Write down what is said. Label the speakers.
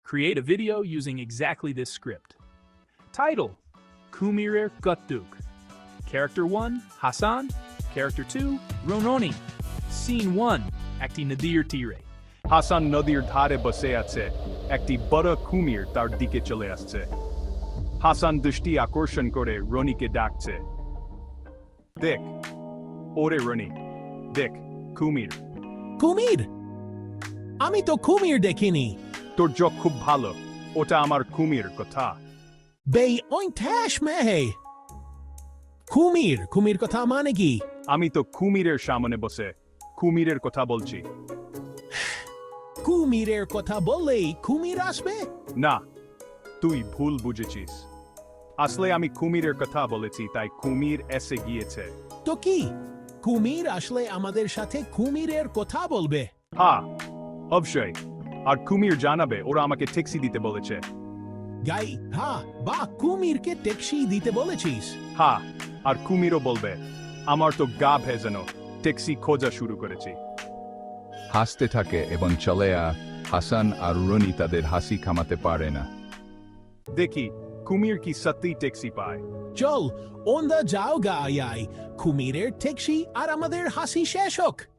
Speaker 1: Create a video using exactly this script. Title: Kumirer Gutduk. Character 1, Hasan. Character 2, Rononi. Scene 1, Akti Nadir Tire.
Speaker 2: Hasan নদীর ধারে বসে আছে একটি বড় কুমির তার দিকে চলে আসছে হাসান দৃষ্টি আকর্ষণ করে রনিকে ডাকছে দেখ ওরে রনি দেখ কুমির
Speaker 3: কুমির? আমি তো কুমির দেখিনি।
Speaker 2: তোর চোখ খুব ভালো ওটা আমার কুমির কথা
Speaker 3: বেই ওইটাস মেহে। কুমির কথা মানে কি?
Speaker 2: আমি তো কুমিরের সামনে বসে কুমিরের কথা বলছি
Speaker 3: কুমিরের কথা বললেই কুমির আসবে?
Speaker 2: না তুই ভুল বুঝেছিস আসলে আমি কুমিরের কথা বলেছি তাই কুমির এসে গিয়েছে
Speaker 3: তো কি কুমির আসলে আমাদের সাথে কুমিরের কথা বলবে?
Speaker 2: হ্যাঁ অবশ্যই আর কুমির জানাবে ওরা আমাকে ট্যাক্সি দিতে বলেছে
Speaker 3: গাই হ্যাঁ বা কুমিরকে ট্যাক্সি দিতে বলেছিস?
Speaker 2: হ্যাঁ আর কুমিরও বলবে আমার তো গা ভেজানো ট্যাক্সি খোঁজা শুরু করেছি
Speaker 4: হাসতে থাকে এবং চলে হাসান আর রনি তাদের হাসি থামাতে পারে না
Speaker 2: দেখি কুমির কি সত্যি ট্যাক্সি পায়
Speaker 3: চল ওন্দা যাও গায়াই কুমিরের ট্যাক্সি আর আমাদের হাসি শেষ হোক।